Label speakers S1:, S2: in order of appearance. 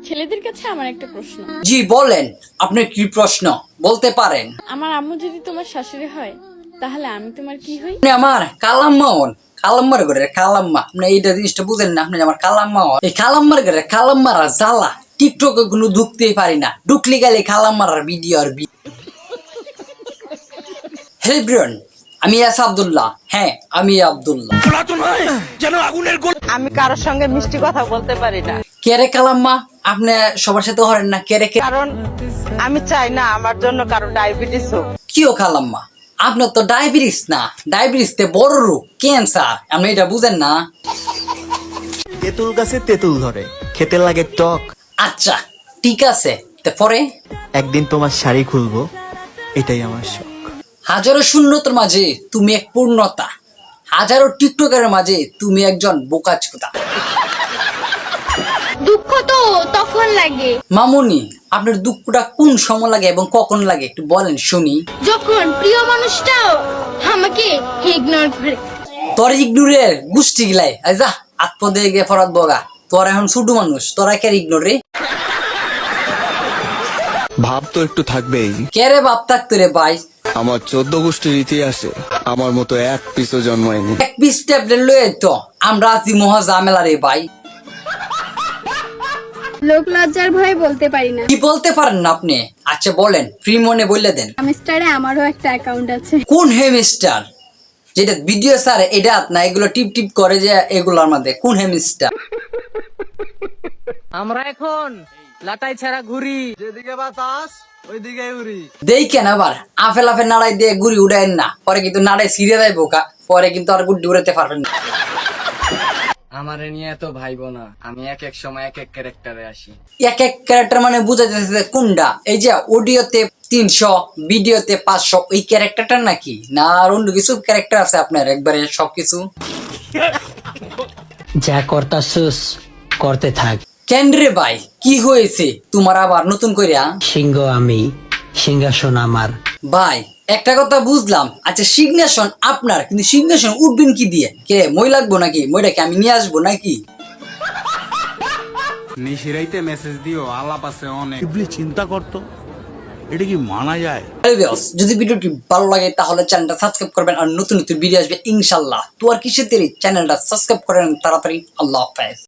S1: ছেলেদের কাছে আমার একটা প্রশ্ন।
S2: জি বলেন, আপনার কি প্রশ্ন বলতে পারেন।
S1: আমার আম্মু যদি তোমার শাশুড়ি হয় তাহলে আমি তোমার কি হই?
S2: আপনি আমার কালাম্মা হন। কালাম্মার ঘরে কালাম্মা, আপনি এইটা জিনিসটা বুঝেন না। আপনি আমার কালাম্মা হন। এই কালাম্মার ঘরে কালাম্মারা জ্বালা টিকটকে কোনো ঢুকতেই পারি না। ঢুকলে গেলে কালাম্মার ভিডিও আর হ্যালো এভরিওয়ান, আমি আব্দুল্লাহ। হ্যাঁ, আমি আব্দুল্লাহ।
S3: আমি কারোর সঙ্গে মিষ্টি কথা বলতে পারি না,
S2: কে রে কালাম্মা? আপনি সবার সাথে হরেন না কে রে?
S3: কারণ আমি চাই না আমার জন্য কারো ডায়াবেটিস হোক।
S2: কিও কালাম্মা, আপনার তো ডায়াবেটিস না, ডায়াবেটিস তে বড় রোগ, ক্যান্সার। আপনি এটা বুঝেন না?
S4: তেঁতুল গাছে তেঁতুল ধরে, খেতে লাগে টক।
S2: আচ্ছা ঠিক আছে, পরে
S4: একদিন তোমার শাড়ি খুলবো, এটাই আমার শখ।
S2: হাজারো শূন্যতার মাঝে তুমি এক পূর্ণতা, হাজারো টিকটকের মাঝে তুমি একজন বোকাচোদা।
S5: দুঃখ তো তখন লাগে
S2: মামুনি, আপনার দুঃখটা কোন সময় লাগে এবং কখন লাগে একটু বলেন শুনি।
S5: যখন প্রিয় মানুষটাও আমাকে ইগনোর করে।
S2: তোর ইগনোরের গোষ্ঠী গিলাই যা আত্মদে গিয়ে ফরাত বগা। তোর এখন ছোট মানুষ, তোরা কে ইগনোর রে?
S6: ভাব তো একটু থাকবেই।
S2: কে রে বাপ থাকতো রে ভাই?
S6: আমার 14 গোষ্ঠীর ইতিহাসে আমার মতো এক পিসও জন্মায়নি।
S2: এক পিস ট্যাবলেট লয়ে তো আমরা আছি মহা ঝামেলা রে ভাই।
S7: লোক লজ্জার ভয়ে বলতে পারি না।
S2: কি বলতে পারেন না আপনি? আচ্ছা বলেন, ফ্রি মনে বললে দেন।
S7: হামস্টারে আমারও একটা অ্যাকাউন্ট আছে।
S2: কোন হেমিস্টার? যেটা ভিডিও স্যার এটা না, এগুলো টিপ টিপ করে যে এগুলোর মধ্যে কোন হেমিস্টার?
S3: আমরা এখন লাটাই ছাড়া ঘুরি, যেদিকে বাতাস ওইদিকে উড়ি।
S2: দেখেন আবার আফেল আফেল নাড়াই দিয়ে গুড়ি উড়াইন না, পরে কিন্তু নাড়াই ছিঁড়ে দেয় বোকা, পরে কিন্তু আর গুড়ি উড়াতে পারবেন না।
S8: আমারে নিয়ে তো ভাইবো না, আমি এক এক সময় এক এক ক্যারেক্টারে আসি।
S2: এক এক ক্যারেক্টার মানে বোঝা যাচ্ছে কোনটা? এই যে অডিওতে 300, ভিডিওতে 500, ওই ক্যারেক্টারটা নাকি না আর অন্য কিছু ক্যারেক্টার আছে আপনার? একবারে সবকিছু
S9: যা করতাছস করতে থাক।
S2: কেন রে ভাই, কি হয়েছে তোমার আবার নতুন কইরা?
S9: সিংহ আমি, সিংহাসন আমার।
S2: ভাই একটা কথা বুঝলাম, আচ্ছা সিগনেশন আপনার, কিন্তু সিগনেশন উঠবেন কি দিয়ে? কে মই লাগবো নাকি? মইটাকে আমি নিয়ে আসবো নাকি?
S10: নিশিরাইতে মেসেজ দিও, আলাপ আছে অনেক। চিন্তা করতো এটা কি মানা যায়?
S2: যদি ভিডিওটি ভালো লাগে তাহলে চ্যানেলটা সাবস্ক্রাইব করবেন, আর নতুন নতুন ভিডিও আসবে ইনশাল্লাহ। তো আর কিসের দেরি, চ্যানেলটা সাবস্ক্রাইব করেন তাড়াতাড়ি। আল্লাহ হাফেজ।